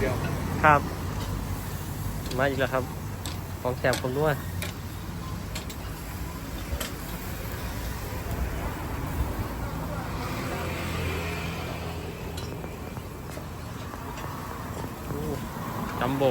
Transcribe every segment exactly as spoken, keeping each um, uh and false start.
ดียวครับมาอีกแล้วครับของแสบคนด้วยจัมโบ้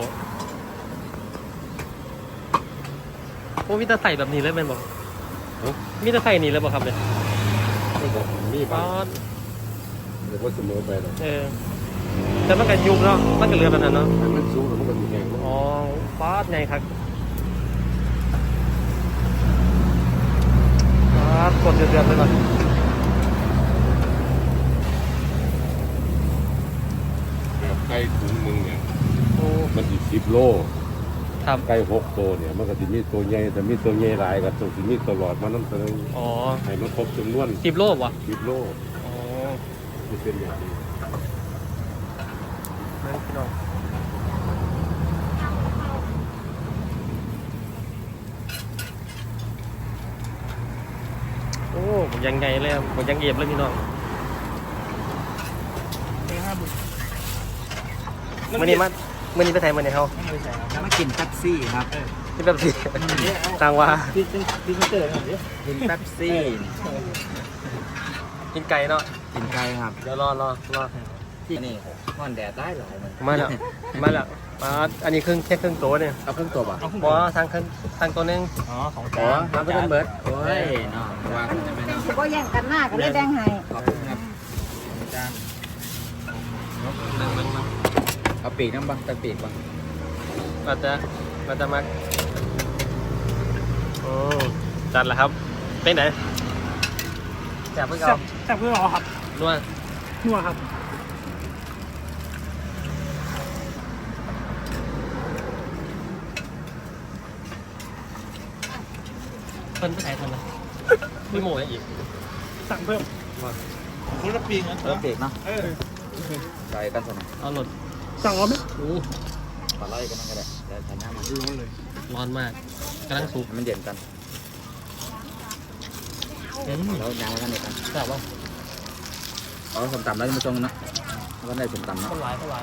โอ้มีแต่ใส่แบบนี้เลยเป็นบอกมีแต่ใส่นี่เลยบอกครับเนี่ยมีบ้าป๊าง ดเดี๋ยวก็เสมอไปหรอกเออแต่มันก็ยุบเนาะมันก็เรือแบบนั้นเนาะแต่มันสูงแล้วมันก็มีแรงอ๋อป๊าดไงครับป๊าดกดเดือดๆเลยก่อนแบบไก่ถุงหนึ่งเนี่ยโอ้มันอีกสิบโลครับไก่หกตัวเนี่ยมันก็จะมีตัวใหญ่แต่มีตัวใหญ่หลายกับตัวที่มีตัวหลอดมานั่นตัวนึงอ๋อให้มันครบจำนวนสิบโลวะสิบโลอ๋อจะเป็นอย่างนี้นั่นพี่น้องโอ้ผมยังไงเลยครับผมยังเอียบเลยพี่น้องมื่อนี้มามื่อนี้ไปไทยมื่อนี้เขาแล้วมากินแป๊บซี่ครับที่แบบสิต่างว่าพี่พี่เตอร์กินแป๊บซี่กินไก่เนาะกินไก่ครับเดี๋ยวรอรอรอที่นี่ห่อนแดดได้หลายมันมาแล้วมาแล้วมาอันนี้ครึ่งแค่ครึ่งตัวเนี่ยเอาเครื่องตัวป่ะบอทางครึ่งทางตัวหนึงอ๋อของจานน้ำเป็นเบิร์ดโอ้ยเนาะว่ากันจะไม่เป็นเนาะสิบ่แย่งกันมากก็เลยแบ่งให้ขอบคุณครับจานมันมันมันเอาปีกน้ำบังตะปีกบังอาจจะอาจจะมาโอ้จัดแล้วครับเป็นไหนแซ่บเพื่อนเราแซ่บเพื่อรอครับนวดนัวครับเพิ่นไปไหนคนละพี่โม่ยังอีกสั่งเพิ่มคุณละปีกนะละปีกเนาะเออใส่กันสนะเอาหลดสั่งเอาไหมโอ้ปลาไหลกันนั่นก็ได้แต่ใส่น้ำมันร้อนเลยร้อนมากกำลังสุกมันเย็นกันอืมแล้วน้ำมันเย็นกันแซ่บป่ะเอาสมตำแล้วมาตรงนะก็ได้สมตำเนาะข้าวหลายข้าวหลาย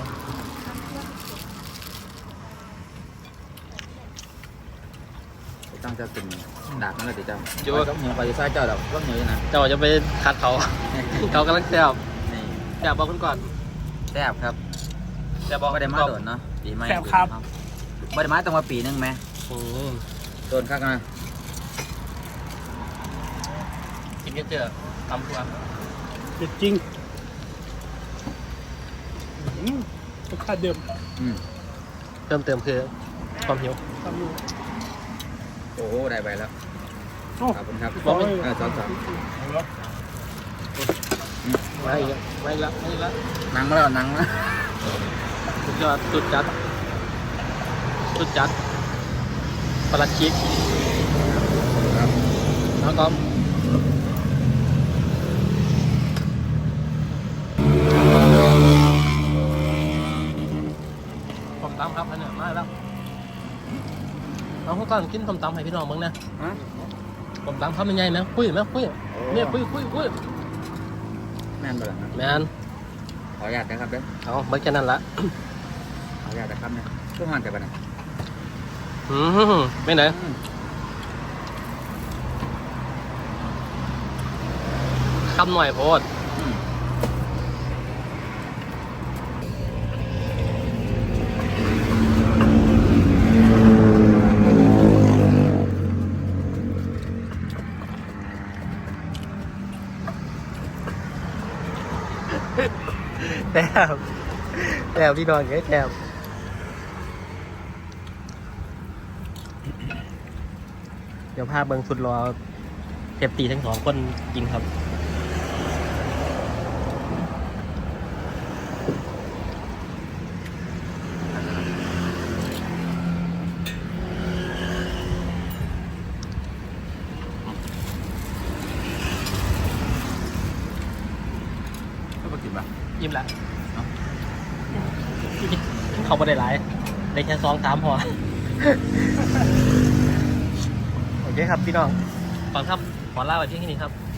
ตั้งจะเป็นดาบนั่นเลยเจ้าจ้าเหนียวไปจะใส่เจ้าดอกว่าเหนียวนะเจ้าจะไปคัดเขา เขากำลังแซ่บนี่แซ่บบอกคุณก่อนแซ่บครับแซ่บบอกไม่ได้มาโดนเนาะปีใหม่แซ่บครับไม่ได้มาตั้งมาปีนึงไหมอืมโดนข้างนะกินกันเจอตำทัวเด็ดจริงอืมรสชาติเดิมอืมเติมเติมคือความหิวทำอยู่โอ้โหได้ไปแล้วโอ้ขอบคุณครับบอกเลยเออสองสองมาอีกแล้วมาอีกแล้วมาอีกแล้วนั่งมาแล้วนั่งนะสุดยอดสุดจัดสุดจัดปลาชิกครับแล้วก็ส้มตำครับอันนี้มาแล้วเอาพวกก่อนกินส้มตำให้พี่น้องมึงนะฮะส้มตำทำยังไงไหมคุยไหมคุยเนี่ยคุยคุยคุยแม่นบ่ล่ะครับแมนขออนุญาตนะครับเด้อเอาไม่แค่นั้นละขออนุญาตนะครับเนี่ยช่วงงานแต่บัดนี้อืมไม่ไหนคำหน่อยโพดอืมแต้วแต้วพี่นอนไงแต้วเดี๋ยวพาเบิงสุดรอเทปตีทั้งสองคนกินครับก็มากินป่ะยิ้มละเขาไม่ได้หลายได้แค่สองสามพอ โอเคครับพี่น้องฟังครับขอลาไว้ที่นี่ครับ